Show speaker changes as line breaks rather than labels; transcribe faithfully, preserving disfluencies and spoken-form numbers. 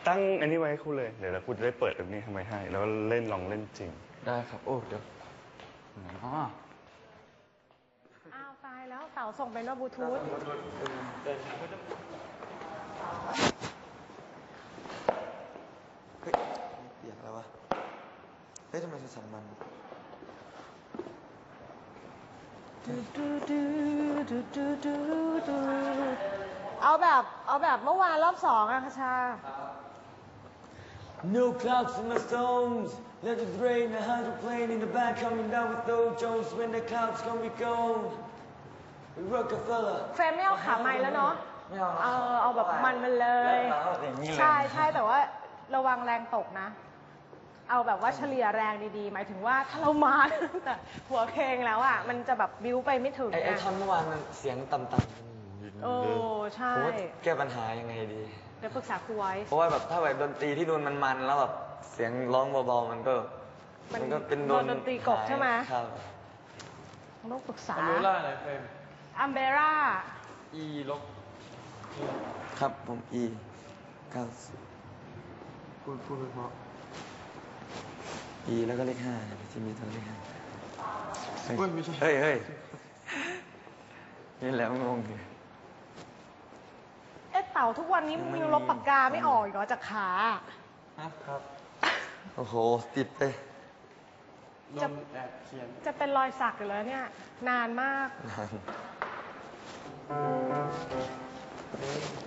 ตั้งอันนี้ไว้ให้คุณเลยเดี๋ยวเราคุณจะได้เปิดตรงนี้ทำไมให้แล้วเล่นลองเล่นจริง
ได้ครับโอ้เดี๋ยวอ๋อ
อ้าวตายแล้วเต๋าส่งเป็นว่าบลูทูธ
เฮ้ยเปียกแล้ววะเฮ้ยทำไมโทรศัพท์มัน
เอาแบบเอาแบบเมื่อวานรอบสองอะคชา
No clouds in my stones. Let it rain. A hundred plane in the back coming down with Dow Jones. When the clouds gonna be gone. Rockefeller.
เฟรมไม่เอาขาไม้แล้วเนาะ
ไม่เอา
เออเอาแบบมันมันเลย ใช่ใช่แต่ว่าระวังแรงตกนะ เอาแบบว่าเฉลี่ยแรงดีๆ หมายถึงว่าถ้าเรามาแต่หัวเพลงแล้วอ่ะมันจะแบบบิ้วไปไม่ถึง
ไอ้ไอ้
นะ
ท่อนเมื่อวานมันเสียงต่ำๆ
โอ้ใช่
ผมว่าแก้ปัญหายังไงดี
เดี๋ยวปรึกษาครูไว้
เพราะว่าแบบถ้าแบบดนตรีที่นูนมันมันแล้วแบบเสียงร้องเบาๆมันก็
มัน
ก็เป็น
โดนดนตรีกบใช่ไหม
ครับ
ต้องปรึกษา
อัมเบร่าอะไรเฟรม
อัมเบร่า
E ลบ
ครับผม E เก้าสิบ
พูดพูดเพราะ
E แล้วก็เลขห้าที่มีตัวเลขห้า
เฮ้ยไม่ใช่
เฮ้ยเฮ้ยนี่แหล้วงงอยู่
เอ๊ะเต่าทุกวันนี้มิวลบปากกาไม่ออกอีกเหรอจากขา
ครับ
โอ้โหติดไป
ลมแอบเขียน
จะเป็นรอยสักอยู่แล้วเนี่ย นานมาก
นาน